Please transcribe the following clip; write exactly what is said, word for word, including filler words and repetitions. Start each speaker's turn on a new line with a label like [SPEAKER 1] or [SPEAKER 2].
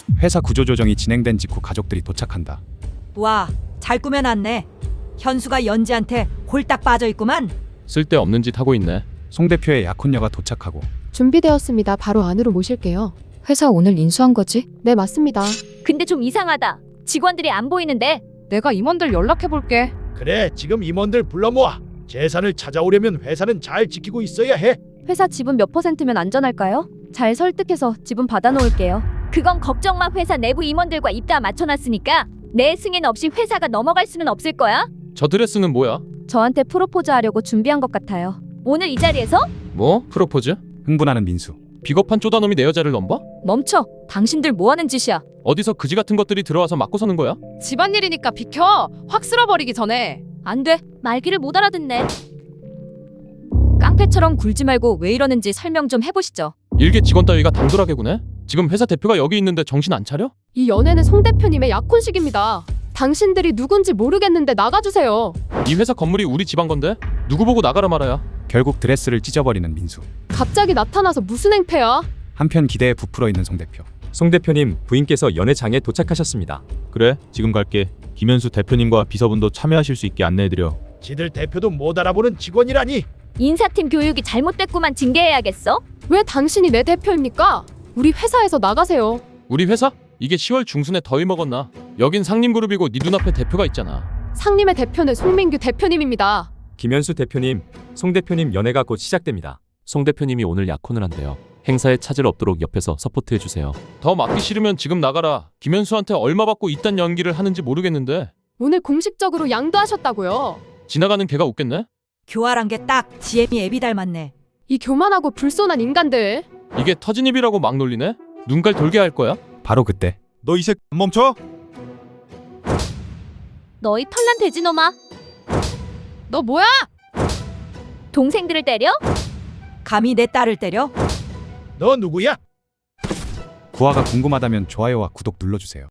[SPEAKER 1] 회사 구조조정이 진행된 직후 가족들이 도착한다.
[SPEAKER 2] 와, 잘 꾸며놨네. 현수가 연지한테 홀딱 빠져있구만.
[SPEAKER 3] 쓸데없는 짓 하고 있네.
[SPEAKER 1] 송 대표의 약혼녀가 도착하고
[SPEAKER 4] 준비되었습니다. 바로 안으로 모실게요.
[SPEAKER 5] 회사 오늘 인수한 거지?
[SPEAKER 4] 네, 맞습니다.
[SPEAKER 6] 근데 좀 이상하다. 직원들이 안 보이는데.
[SPEAKER 5] 내가 임원들 연락해볼게.
[SPEAKER 7] 그래, 지금 임원들 불러 모아. 재산을 찾아오려면 회사는 잘 지키고 있어야 해.
[SPEAKER 6] 회사 지분 몇 퍼센트면 안전할까요? 잘 설득해서 지분 받아놓을게요. 그건 걱정 마. 회사 내부 임원들과 입 다 맞춰놨으니까 내 승인 없이 회사가 넘어갈 수는 없을 거야.
[SPEAKER 3] 저 드레스는 뭐야?
[SPEAKER 6] 저한테 프로포즈 하려고 준비한 것 같아요. 오늘 이 자리에서?
[SPEAKER 3] 뭐? 프로포즈?
[SPEAKER 1] 흥분하는 민수.
[SPEAKER 3] 비겁한 쪼다놈이 내 여자를 넘봐?
[SPEAKER 6] 멈춰. 당신들 뭐하는 짓이야?
[SPEAKER 3] 어디서 그지 같은 것들이 들어와서 맞고 서는 거야?
[SPEAKER 5] 집안일이니까 비켜. 확 쓸어버리기 전에.
[SPEAKER 6] 안 돼. 말귀를 못 알아듣네. 깡패처럼 굴지 말고 왜 이러는지 설명 좀 해보시죠.
[SPEAKER 3] 일개 직원 따위가 당돌하게 구네? 지금 회사 대표가 여기 있는데 정신 안 차려?
[SPEAKER 4] 이 연애는 송 대표님의 약혼식입니다. 당신들이 누군지 모르겠는데 나가주세요.
[SPEAKER 3] 이 회사 건물이 우리 집안 건데? 누구 보고 나가라 말아야.
[SPEAKER 1] 결국 드레스를 찢어버리는 민수.
[SPEAKER 4] 갑자기 나타나서 무슨 행패야?
[SPEAKER 1] 한편 기대에 부풀어 있는 송 대표.
[SPEAKER 8] 송 대표님, 부인께서 연회장에 도착하셨습니다.
[SPEAKER 9] 그래, 지금 갈게. 김현수 대표님과 비서분도 참여하실 수 있게 안내해드려.
[SPEAKER 7] 지들 대표도 못 알아보는 직원이라니.
[SPEAKER 6] 인사팀 교육이 잘못됐구만. 징계해야겠어.
[SPEAKER 4] 왜 당신이 내 대표입니까? 우리 회사에서 나가세요.
[SPEAKER 3] 우리 회사? 이게 시월 중순에 더위 먹었나? 여긴 상림그룹이고 네 눈앞에 대표가 있잖아.
[SPEAKER 4] 상림의 대표는 송민규 대표님입니다.
[SPEAKER 8] 김현수 대표님, 송 대표님 연회가 곧 시작됩니다.
[SPEAKER 10] 송 대표님이 오늘 약혼을 한대요. 행사에 차질 없도록 옆에서 서포트해주세요.
[SPEAKER 3] 더 맞기 싫으면 지금 나가라. 김현수한테 얼마 받고 이딴 연기를 하는지 모르겠는데
[SPEAKER 4] 오늘 공식적으로 양도하셨다고요.
[SPEAKER 3] 지나가는 걔가 웃겠네?
[SPEAKER 2] 교활한 게 딱 지엠이 애비 닮았네.
[SPEAKER 4] 이 교만하고 불손한 인간들.
[SPEAKER 3] 이게 터진 입이라고 막 놀리네? 눈깔 돌게 할 거야?
[SPEAKER 1] 바로 그때
[SPEAKER 9] 너 이 새끼 멈춰!
[SPEAKER 6] 너희 털난 돼지놈아.
[SPEAKER 5] 너 뭐야?
[SPEAKER 6] 동생들을 때려?
[SPEAKER 2] 감히 내 딸을 때려?
[SPEAKER 7] 너 누구야?
[SPEAKER 1] 구화가 궁금하다면 좋아요와 구독 눌러주세요.